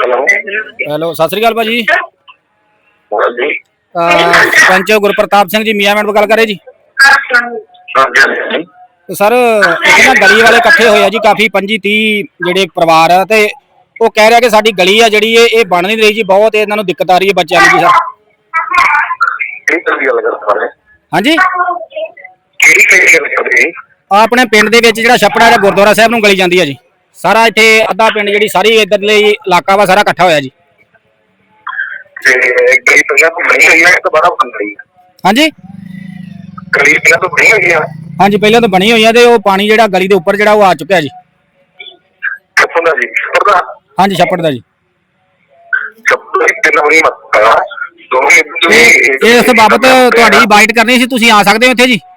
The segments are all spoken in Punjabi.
ਹੈਲੋ, ਸਤਿ ਸ੍ਰੀ ਅਕਾਲ ਭਾਜੀ। ਹਾਂਜੀ ਸਰਪੰਚ ਗੁਰਪ੍ਰਤਾਪ ਸਿੰਘ ਜੀ ਮੀਆਂ ਮਿੰਟ ਗੱਲ ਕਰੇ ਜੀ। ਤੇ ਸਰ ਇੱਥੇ ਨਾ ਗਲੀ ਵਾਲੇ ਇਕੱਠੇ ਹੋਏ ਆ ਜੀ, ਕਾਫੀ 25-30 ਜਿਹੜੇ ਪਰਿਵਾਰ ਆ, ਤੇ ਉਹ ਕਹਿ ਰਿਹਾ ਕਿ ਸਾਡੀ ਗਲੀ ਆ ਜਿਹੜੀ ਇਹ ਬਣ ਨਹੀਂ ਰਹੀ ਜੀ, ਬਹੁਤ ਇਹਨਾਂ ਨੂੰ ਦਿੱਕਤ ਆ ਰਹੀ ਹੈ ਬੱਚਿਆਂ ਨੂੰ ਜੀ ਸਰ। ਹਾਂਜੀ, ਆਪਣੇ ਪਿੰਡ ਦੇ ਵਿੱਚ ਜਿਹੜਾ ਛੱਪੜਾ ਜਾਂ ਗੁਰਦੁਆਰਾ ਸਾਹਿਬ ਨੂੰ ਗਲੀ ਜਾਂਦੀ ਹੈ ਜੀ, ਸਾਰਾ ਇੱਥੇ ਅੱਧਾ ਪਿੰਡ ਜਿਹੜੀ ਸਾਰੀ ਇੱਧਰਲੇ ਇਲਾਕਾ ਵਾ ਸਾਰਾ ਇਕੱਠਾ ਹੋਇਆ ਜੀ। ਹਾਂਜੀ ਹਾਂਜੀ, ਪਹਿਲਾਂ ਤਾਂ ਬਣੀ ਹੋਈ ਆ, ਤੇ ਉਹ ਪਾਣੀ ਜਿਹੜਾ ਗਲੀ ਦੇ ਉੱਪਰ ਜਿਹੜਾ ਉਹ ਆ ਚੁੱਕਿਆ ਜੀ। ਹਾਂਜੀ, ਛੱਪੜ ਦਾ ਜੀ। ਇਸ ਬਾਬਤ ਤੁਹਾਡੀ ਬਾਈਟ ਕਰਨੀ ਸੀ, ਤੁਸੀਂ ਆ ਸਕਦੇ ਹੋ ਇੱਥੇ ਜੀ।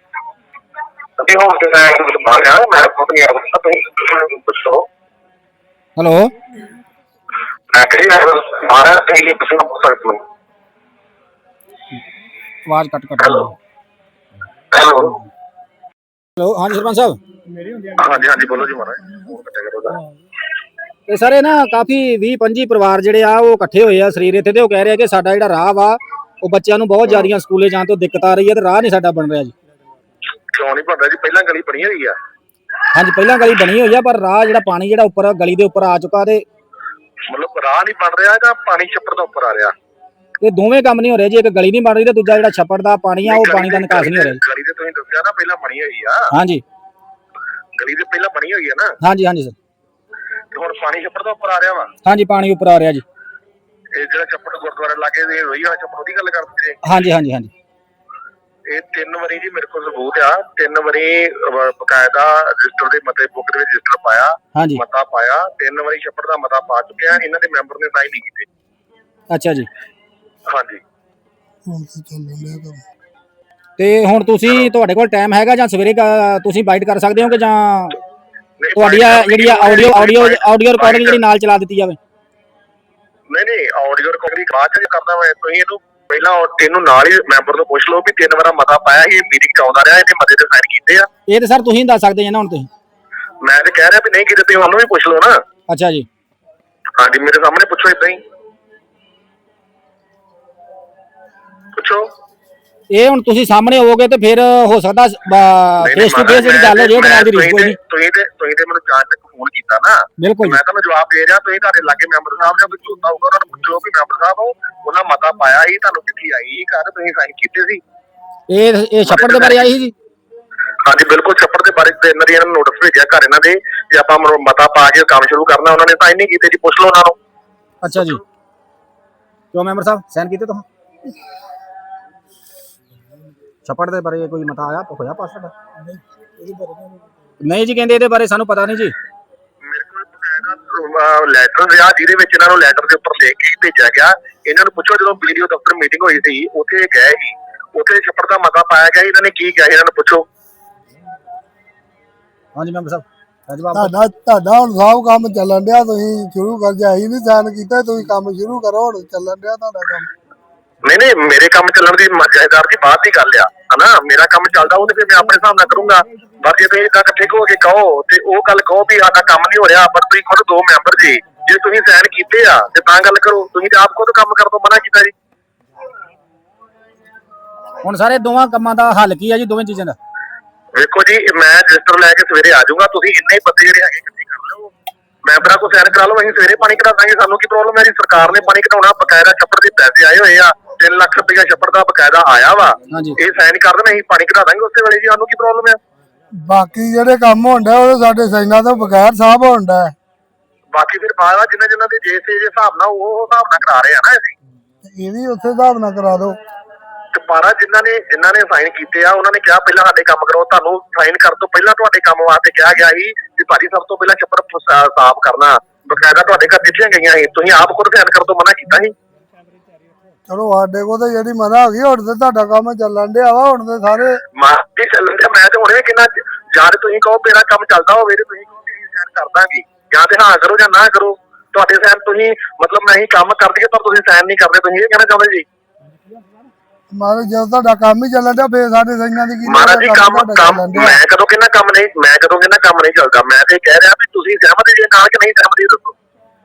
ਹੈਲੋ, ਆਵਾਜ਼ ਕੱਟ ਹੈਲੋ, ਹਾਂਜੀ ਸਰਪੰਚ ਸਾਹਿਬ। ਹਾਂਜੀ ਬੋਲੋ ਜੀ ਮਹਾਰਾਜ। ਤੇ ਸਰ ਇਹ ਨਾ ਕਾਫੀ 20-25 ਪਰਿਵਾਰ ਜਿਹੜੇ ਆ ਉਹ ਇਕੱਠੇ ਹੋਏ ਆ ਸਰੀਰ ਇੱਥੇ, ਤੇ ਉਹ ਕਹਿ ਰਹੇ ਆ ਕਿ ਸਾਡਾ ਜਿਹੜਾ ਰਾਹ ਵਾ ਉਹ ਬੱਚਿਆਂ ਨੂੰ ਬਹੁਤ ਜ਼ਿਆਦੀਆਂ ਸਕੂਲੇ ਜਾਣ ਤੋਂ ਦਿੱਕਤ ਆ ਰਹੀ ਹੈ, ਤੇ ਰਾਹ ਨਹੀਂ ਸਾਡਾ ਬਣ ਰਿਹਾ ਜੀ। ਕਿਉਂ ਨਹੀਂ ਬਣ ਰਿਹਾ ਜੀ? ਪਹਿਲਾਂ ਗਲੀ ਬਣੀ ਹੋਈ ਆ। ਹਾਂਜੀ, ਪਹਿਲਾਂ ਗਲੀ ਬਣੀ ਹੋਈ ਆ, ਪਰ ਰਾਹ ਜਿਹੜਾ ਪਾਣੀ ਜਿਹੜਾ ਉੱਪਰ ਗਲੀ ਦੇ ਉੱਪਰ ਆ ਚੁੱਕਾ, ਤੇ ਮਤਲਬ ਰਾਹ ਨਹੀਂ ਬਣ ਰਿਹਾ ਜਾਂ ਪਾਣੀ ਛੱਪੜ ਤੋਂ ਉੱਪਰ ਆ ਰਿਹਾ? ਇਹ ਦੋਵੇਂ ਕੰਮ ਨਹੀਂ ਹੋ ਰਹੇ ਜੀ, ਇੱਕ ਗਲੀ ਨਹੀਂ ਬਣ ਰਹੀ ਤੇ ਦੂਜਾ ਜਿਹੜਾ ਛੱਪੜ ਦਾ ਪਾਣੀ ਆ ਉਹ ਪਾਣੀ ਦਾ ਨਿਕਾਸ ਨਹੀਂ ਹੋ ਰਿਹਾ ਜੀ। ਗਲੀ ਤੇ ਤੁਸੀਂ ਦੱਸਿਆ ਨਾ ਪਹਿਲਾਂ ਬਣੀ ਹੋਈ ਆ। ਹਾਂਜੀ, ਗਲੀ ਤੇ ਪਹਿਲਾਂ ਬਣੀ ਹੋਈ ਆ ਨਾ। ਹਾਂਜੀ ਹਾਂਜੀ ਸਰ। ਤੇ ਹੁਣ ਪਾਣੀ ਛੱਪੜ ਤੋਂ ਉੱਪਰ ਆ ਰਿਹਾ ਵਾ? ਹਾਂਜੀ, ਪਾਣੀ ਉੱਪਰ ਆ ਰਿਹਾ ਜੀ। ਇਹ ਜਿਹੜਾ ਛੱਪੜ ਗੁਰਦੁਆਰੇ ਲਾਗੇ ਦੇ ਰੋਈ ਵਾਲਾ ਛੱਪੜ ਦੀ ਗੱਲ ਕਰਦੇ ਜੀ? ਹਾਂਜੀ ਹਾਂਜੀ ਹਾਂਜੀ। ਇਹ 3 ਵਾਰੀ ਜੀ ਮੇਰੇ ਕੋਲ ਸਬੂਤ ਆ, 3 ਵਾਰੀ ਬਕਾਇਦਾ ਰਜਿਸਟਰ ਦੇ ਮਤੇ ਬੁੱਕ ਦੇ ਵਿੱਚ ਰਜਿਸਟਰ ਪਾਇਆ, ਮਤਾ ਪਾਇਆ, 3 ਵਾਰੀ ਛੱਪੜ ਦਾ ਮਤਾ ਪਾ ਚੁੱਕਿਆ, ਇਹਨਾਂ ਦੇ ਮੈਂਬਰ ਨੇ ਸਾਈਨ ਨਹੀਂ ਕੀਤੇ। ਅੱਛਾ ਜੀ। ਹਾਂਜੀ, ਤੇ ਹੁਣ ਤੁਸੀਂ ਤੁਹਾਡੇ ਕੋਲ ਟਾਈਮ ਹੈਗਾ ਜਾਂ ਸਵੇਰੇ ਤੁਸੀਂ ਬਾਈਟ ਕਰ ਸਕਦੇ ਹੋ, ਕਿ ਜਾਂ ਤੁਹਾਡੀ ਜਿਹੜੀ ਆਡੀਓ ਰਿਕਾਰਡਿੰਗ ਜਿਹੜੀ ਨਾਲ ਚਲਾ ਦਿੱਤੀ ਜਾਵੇ? ਨਹੀਂ ਆਡੀਓ ਰਿਕਾਰਡਿੰਗ ਬਾਅਦ ਚ ਕਰਦਾ ਮੈਂ। ਤੁਸੀਂ ਇਹਨੂੰ ਪਹਿਲਾਂ ਇਹਨੂੰ ਨਾਲ ਹੀ ਮੈਂਬਰ ਤੋਂ ਪੁੱਛ ਲਓ ਵੀ 3 ਵਾਰਾ ਮਤਾ ਪਾਇਆ ਸੀ, ਮੀਟਿੰਗ ਚ ਆਉਂਦਾ ਰਿਹਾ, ਇਹਨੇ ਮਤੇ ਤੇ ਸਾਈਨ ਕੀਤੇ ਆ। ਇਹ ਤੇ ਸਰ ਤੁਸੀਂ ਦੱਸ ਸਕਦੇ ਜੇ ਨਾ, ਹੁਣ ਤੁਸੀਂ। ਮੈਂ ਤੇ ਕਹਿ ਰਿਹਾ ਵੀ ਨਹੀਂ ਕੀਤੇ, ਤੁਸੀਂ ਉਹਨੂੰ ਵੀ ਪੁੱਛ ਲਓ ਨਾ। ਅੱਛਾ ਜੀ। ਹਾਂਜੀ, ਮੇਰੇ ਸਾਹਮਣੇ ਪੁੱਛੋ, ਏਦਾਂ ਹੀ ਪੁੱਛੋ। ਇਹ ਹੁਣ ਤੁਸੀਂ ਸਾਹਮਣੇ ਹੋਵੋਗੇ ਤੇ ਫਿਰ ਹੋ ਸਕਦਾ ਫੇਸ ਟੂ ਫੇਸ ਜਿਹੜੀ ਗੱਲ ਹੋ ਜੇ ਉਹਦੇ ਨਾਲ ਦੀ ਰਿਸਕ ਹੋਈ। ਤੁਸੀਂ ਤੇ ਮੈਨੂੰ ਜਾਂਚ ਤੱਕ ਫੋਨ ਕੀਤਾ ਨਾ। ਬਿਲਕੁਲ, ਮੈਂ ਤੁਹਾਨੂੰ ਜਵਾਬ ਦੇ ਰਿਹਾ। ਤੁਸੀਂ ਤੁਹਾਡੇ ਲਾਗੇ ਮੈਂਬਰ ਸਾਹਿਬ ਜਾਂ ਕੋਈ ਚੋਤਾ ਹੋਊਗਾ, ਉਹਨਾਂ ਨੂੰ ਪੁੱਛੋ ਵੀ ਮੈਂਬਰ ਸਾਹਿਬ ਉਹਨਾਂ ਮਤਾ ਪਾਇਆ ਸੀ, ਤੁਹਾਨੂੰ ਚਿੱਠੀ ਆਈ ਸੀ ਘਰ, ਤੁਸੀਂ ਸਾਈਨ ਕੀਤੇ ਸੀ? ਇਹ ਛੱਪੜ ਦੇ ਬਾਰੇ ਆਈ ਸੀ ਜੀ? ਹਾਂਜੀ ਬਿਲਕੁਲ, ਛੱਪੜ ਦੇ ਬਾਰੇ ਇਹਨਾਂ ਦੀ ਨੋਟਿਸ ਭੇਜਿਆ ਘਰ ਇਹਨਾਂ ਦੇ, ਜੇ ਆਪਾਂ ਮਤਾ ਪਾ ਕੇ ਕੰਮ ਸ਼ੁਰੂ ਕਰਨਾ, ਉਹਨਾਂ ਨੇ ਸਾਈਨ ਨਹੀਂ ਕੀਤੇ ਜੀ। ਪੁੱਛ ਲਓ ਉਹਨਾਂ ਨੂੰ। ਅੱਛਾ ਜੀ, ਕਿਉਂ ਮੈਂਬਰ ਸਾਹਿਬ ਸਾਈਨ ਕੀਤੇ ਤੁਸੀਂ? ਛੱਪੜ ਦੇ ਬਾਰੇ ਕੋਈ ਮਤਾ ਆਇਆ ਹੋਇਆ ਪਾਸ? ਨਹੀਂ ਜੀ, ਕਹਿੰਦੇ ਇਹਦੇ ਬਾਰੇ ਸਾਨੂੰ ਪਤਾ ਨਹੀਂ ਜੀ। ਮੇਰੇ ਕੋਲ ਬਕਾਇਦਾ ਲੈਟਰ ਰਿਹਾ, ਜਿਹਦੇ ਵਿੱਚ ਇਹਨਾਂ ਨੂੰ ਲੈਟਰ ਦੇ ਉੱਪਰ ਲਿਖ ਕੇ ਭੇਜਿਆ ਗਿਆ। ਇਹਨਾਂ ਨੂੰ ਪੁੱਛੋ, ਜਦੋਂ ਵੀਡੀਓ ਦਫ਼ਤਰ ਮੀਟਿੰਗ ਹੋਈ ਸੀ ਉੱਥੇ ਗਏ ਸੀ, ਉੱਥੇ ਛੱਪੜ ਦਾ ਮਤਾ ਪਾਇਆ ਗਿਆ, ਇਹਨਾਂ ਨੇ ਕੀ ਕਿਹਾ ਇਹਨਾਂ ਨੂੰ ਪੁੱਛੋ। ਹਾਂਜੀ ਮੈਂਬਰ ਸਾਹਿਬ, ਤੁਹਾਡਾ ਹੁਣ ਸਭ ਕੰਮ ਚੱਲਣ ਡਿਆ, ਤੁਸੀਂ ਸ਼ੁਰੂ ਕਰ ਜਾ ਹੀ ਨਹੀਂ ਸਾਈਨ ਕੀਤਾ, ਤੁਸੀਂ ਕੰਮ ਸ਼ੁਰੂ ਕਰੋ, ਹੁਣ ਚੱਲਣ ਡਿਆ ਤੁਹਾਡਾ ਕੰਮ। ਨਹੀਂ ਮੇਰੇ ਕੰਮ ਚੱਲਣ ਦੀ ਜਾਇਦਾਦ ਦੀ ਬਾਅਦ ਦੀ ਗੱਲ ਆ, ਹਨਾ। ਮੇਰਾ ਕੰਮ ਚੱਲਦਾ ਉਹ ਤੇ ਫਿਰ ਮੈਂ ਆਪਣੇ ਹਿਸਾਬ ਨਾਲ ਕਰੂੰਗਾ। ਪਰ ਜੇ ਤੁਸੀਂ ਇਦਾਂ ਇਕੱਠੇ ਹੋ ਕੇ ਕਹੋ ਤੇ ਉਹ ਗੱਲ ਕਹੋ ਵੀ ਸਾਡਾ ਕੰਮ ਨਹੀਂ ਹੋ ਰਿਹਾ, ਪਰ ਤੁਸੀਂ ਖੁਦ 2 ਮੈਂਬਰ ਜੀ, ਜੇ ਤੁਸੀਂ ਸਾਈਨ ਕੀਤੇ ਆ ਤੇ ਤਾਂ ਗੱਲ ਕਰੋ। ਤੁਸੀਂ ਤੇ ਆਪ ਖੁਦ ਕੰਮ ਕਰਨ ਤੋਂ ਮਨਾ ਕੀਤਾ ਜੀ। ਹੁਣ ਸਾਰੇ ਦੋਵਾਂ ਕੰਮਾਂ ਦਾ ਹੱਲ ਕੀ ਆ ਜੀ, ਦੋਵੇਂ ਚੀਜ਼ਾਂ ਦਾ? ਵੇਖੋ ਜੀ, ਮੈਂ ਰਜਿਸਟਰ ਲੈ ਕੇ ਸਵੇਰੇ ਆ ਜਾਊਂਗਾ, ਤੁਸੀਂ ਇੰਨੇ ਹੀ ਬੰਦੇ ਜਿਹੜੇ ਹੈਗੇ ਇਕੱਠੇ ਕਰ ਲਓ, ਮੈਂਬਰਾਂ ਕੋਲ ਸਾਈਨ ਕਰਾ ਲਓ, ਅਸੀਂ ਸਵੇਰੇ ਪਾਣੀ ਕਢਾ ਦਾਂਗੇ। ਸਾਨੂੰ ਕੀ ਪ੍ਰੋਬਲਮ ਹੈ ਜੀ? ਸਰਕਾਰ ਨੇ ਪਾਣੀ ਕਢਾਉਣਾ, ਬਕਾਇਦਾ ਛੱਪੜ ਦੇ ਪੈਸੇ ਆਏ ਹੋਏ ਆ, 3 ਲੱਖ ਰੁਪਇਆ ਛੱਪੜ ਦਾ ਬਕਾਇਦਾ ਆਇਆ ਵਾ। ਇਹ ਸਾਈਨ ਕਰ ਦੇਣਾ, ਅਸੀਂ ਪਾਣੀ ਕਢਾ ਦਾਂਗੇ ਉਸੇ ਵੇਲੇ ਜੀ। ਸਾਨੂੰ ਕੀ ਪ੍ਰੋਬਲਮ ਹੈ? ਬਾਕੀ ਜਿਹੜੇ ਕੰਮ ਹੁੰਦਾ ਉਹ ਸਾਡੇ ਸਾਈਨਾਂ ਤੋਂ ਬਗੈਰ ਸਾਹਿਬ ਹੁੰਦਾ। ਬਾਕੀ ਫਿਰ ਬਾਅਦ ਜਿੰਨਾ ਦੇ ਜੇ ਹਿਸਾਬ ਨਾਲ ਉਹ ਹਿਸਾਬ ਨਾਲ ਕਰਾ ਰਹੇ ਆ ਨਾ ਅਸੀਂ। ਇਹ ਵੀ ਉਸੇ ਹਿਸਾਬ ਨਾਲ ਕਰਾ ਦਿਓ। ਤੇ ਪਾਰਾ ਜਿਨ੍ਹਾਂ ਨੇ ਸਾਈਨ ਕੀਤੇ ਆ, ਉਹਨਾਂ ਨੇ ਕਿਹਾ ਪਹਿਲਾਂ ਸਾਡੇ ਕੰਮ ਕਰੋ। ਤੁਹਾਨੂੰ ਸਾਈਨ ਕਰਨ ਤੋਂ ਪਹਿਲਾਂ ਤੁਹਾਡੇ ਕੰਮ ਵਾਸਤੇ ਕਿਹਾ ਗਿਆ ਸੀ ਕਿ ਭਾਜੀ ਸਭ ਤੋਂ ਪਹਿਲਾਂ ਛੱਪੜ ਸਾਫ਼ ਕਰਨਾ, ਬਕਾਇਦਾ ਤੁਹਾਡੇ ਘਰ ਚਿੱਠੀਆਂ ਗਈਆਂ ਸੀ, ਤੁਸੀਂ ਆਪ ਖੁਦ ਸਾਈਨ ਕਰਨ ਤੋਂ ਮਨਾ ਕੀਤਾ ਸੀ। ਚਲੋ ਸਾਡੇ ਕੋਲ ਤਾਂ ਜਿਹੜੀ ਮਨਾ ਹੋ ਗਈ, ਹੁਣ ਤੇ ਤੁਹਾਡਾ ਕੰਮ ਚੱਲਣ ਡਿਆ ਵਾ, ਹੁਣ ਤੇ ਸਾਰੇ ਚੱਲਣ ਡਿਆ। ਮੈਂ ਤੇ ਹੁਣੇ ਕਿੰਨਾ ਜਾਂ ਤੁਸੀਂ ਕਹੋ ਮੇਰਾ ਕੰਮ ਚੱਲਦਾ ਹੋਵੇ ਤੇ ਤੁਸੀਂ ਕਹੋ ਕਿ ਸਾਈਨ ਕਰ ਦਾਂਗੇ, ਜਾਂ ਤੇ ਹਾਂ ਕਰੋ ਜਾਂ ਨਾ ਕਰੋ। ਤੁਹਾਡੇ ਸਾਈਨ ਤੁਸੀਂ ਮਤਲਬ ਮੈਂ ਹੀ ਕੰਮ ਕਰ ਦਈਏ ਪਰ ਤੁਸੀਂ ਸਾਈਨ ਨਹੀਂ ਕਰਦੇ, ਤੁਸੀਂ ਇਹ ਕਹਿਣਾ ਚਾਹੁੰਦੇ ਜੀ? ਮਹਾਰਾਜ ਜਦੋਂ ਤੁਹਾਡਾ ਕੰਮ ਹੀ ਚੱਲਣ ਡਿਆ ਫੇਰ ਸਾਡੇ ਸਾਈਨਾਂ ਦੀ ਕੀ? ਮਹਾਰਾਜ ਜੀ ਕੰਮ ਮੈਂ ਕਦੋਂ ਕਹਿੰਦਾ ਕੰਮ ਨਹੀਂ ਚੱਲਦਾ। ਮੈਂ ਤੇ ਕਹਿ ਰਿਹਾ ਵੀ ਤੁਸੀਂ ਸਹਿਮਤ ਜੇ ਨਾਲ ਕਿ ਨਹੀਂ ਸਹਿਮਤ, ਦੱਸੋ।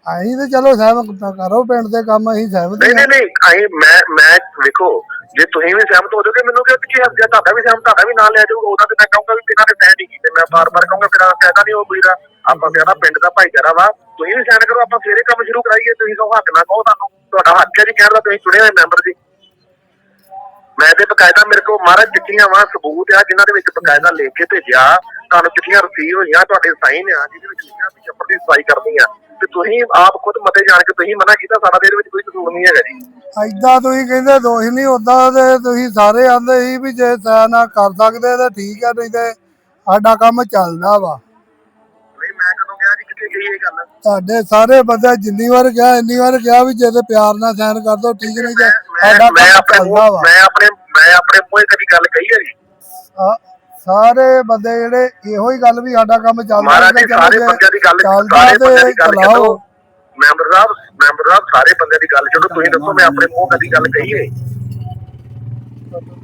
ਅਸੀਂ ਤੇ ਚਲੋ ਸਹਿਮਤ ਕਰੋ ਪਿੰਡ ਦੇ ਕੰਮ, ਅਸੀਂ ਸਹਿਮਤ ਨਹੀਂ ਹਾਂ। ਨਹੀਂ ਨਹੀਂ ਅਸੀਂ ਮੈਂ ਵੇਖੋ ਜੇ ਤੁਸੀਂ ਵੀ ਸਹਿਮਤ ਹੋ ਜਾਓਗੇ ਮੈਨੂੰ ਕਿਹਾ ਕਿ ਜੇ ਤੁਹਾਡਾ ਵੀ ਸਹਿਮਤ, ਤੁਹਾਡਾ ਵੀ ਨਾਲ ਲੈ ਜਾਊਗਾ ਉਹਦਾ, ਤੇ ਮੈਂ ਕਹੂੰਗਾ ਵੀ ਇਹਨਾਂ ਨੇ ਸਹਿ ਨਹੀਂ ਕੀਤੇ, ਮੈਂ ਬਾਰ-ਬਾਰ ਕਹੂੰਗਾ ਫਿਰ ਫਾਇਦਾ ਨਹੀਂ ਉਹ ਕੋਈ ਦਾ। ਆਪਾਂ ਕਹਿੰਦਾ ਪਿੰਡ ਦਾ ਭਾਈਚਾਰਾ ਵਾ, ਤੁਸੀਂ ਵੀ ਸਾਈਨ ਕਰੋ, ਆਪਾਂ ਸਵੇਰੇ ਕੰਮ ਸ਼ੁਰੂ ਕਰਾਈਏ। ਤੁਸੀਂ ਕਹੋ ਹੱਥ ਨਾ ਕਹੋ, ਤੁਹਾਡਾ ਹੱਕ ਹੈ ਜੀ ਕਹਿਣ ਦਾ, ਤੁਸੀਂ ਚੁਣੇ ਹੋਏ ਮੈਂਬਰ ਜੀ। ਮੈਂ ਤੇ ਬਕਾਇਦਾ ਮੇਰੇ ਕੋਲ ਮਹਾਰਾਜ ਚਿੱਠੀਆਂ ਵਾ, ਸਬੂਤ ਆ ਜਿਨ੍ਹਾਂ ਦੇ ਵਿੱਚ ਬਕਾਇਦਾ ਲਿਖ ਕੇ ਭੇਜਿਆ, ਤੁਹਾਨੂੰ ਚਿੱਠੀਆਂ ਰਸੀਵ ਹੋਈਆਂ, ਤੁਹਾਡੇ ਸਾਈਨ ਆ ਜਿਹਦੇ ਵਿੱਚ ਲਿਖਿਆ ਵੀ ਛੱਪੜ ਦੀ ਸਫਾਈ ਕਰਨੀ ਆ, ਤੇ ਤੁਸੀਂ ਆਪ ਖੁਦ ਮਤੇ ਜਾਣ ਕੇ ਤੁਸੀਂ ਮਨਾ ਕੀਤਾ, ਸਾਡਾ ਦੇ ਵਿੱਚ ਕੋਈ ਕਸੂਰ ਨਹੀਂ ਹੈਗਾ ਜੀ। ਏਦਾਂ ਤੁਸੀਂ ਕਹਿੰਦੇ ਦੋਸ਼ ਨਹੀਂ, ਓਦਾਂ ਤੇ ਤੁਸੀਂ ਸਾਰੇ ਆਂਦੇ ਸੀ ਵੀ ਜੇ ਸਾਈਨ ਕਰ ਸਕਦੇ ਤੇ ਠੀਕ ਆ, ਨਹੀਂ ਤੇ ਸਾਡਾ ਕੰਮ ਚੱਲਦਾ ਵਾ। ਨਹੀਂ ਮੈਂ ਕਦੋਂ ਕਿਹਾ ਜੀ, ਕਿੱਥੇ ਗਈ ਇਹ ਗੱਲ? ਤੁਹਾਡੇ ਸਾਰੇ ਬੰਦੇ ਜਿੰਨੀ ਵਾਰ ਕਿਹਾ ਇੰਨੀ ਵਾਰ ਕਿਹਾ ਵੀ ਜੇ ਤੇ ਪਿਆਰ ਨਾਲ ਸਾਈਨ ਕਰ ਦੋ ਠੀਕ, ਨਹੀਂ ਤੇ ਸਾਡਾ ਕੰਮ ਚੱਲਦਾ ਵਾ। ਮੈਂ ਆਪਣੇ ਮੂੰਹੋਂ ਕਦੀ ਗੱਲ ਕਹੀ ਹੈ ਜੀ? ਸਾਰੇ ਬੰਦੇ ਜਿਹੜੇ ਇਹੋ ਹੀ ਗੱਲ ਵੀ ਸਾਡਾ ਕੰਮ ਚੱਲਦਾ। ਮਹਾਰਾਜ ਜੀ ਸਾਰੇ ਬੰਦਿਆਂ ਦੀ ਗੱਲ, ਸਾਰੇ ਬੰਦਿਆਂ ਦੀ ਗੱਲ ਕਰੋ। ਮੈਂਬਰ ਸਾਹਿਬ ਸਾਰੇ ਬੰਦਿਆਂ ਦੀ ਗੱਲ ਛੱਡੋ, ਤੁਸੀਂ ਦੱਸੋ ਮੈਂ ਆਪਣੇ ਮੂੰਹ ਕਦੀ ਗੱਲ ਕਹੀ ਹੈ?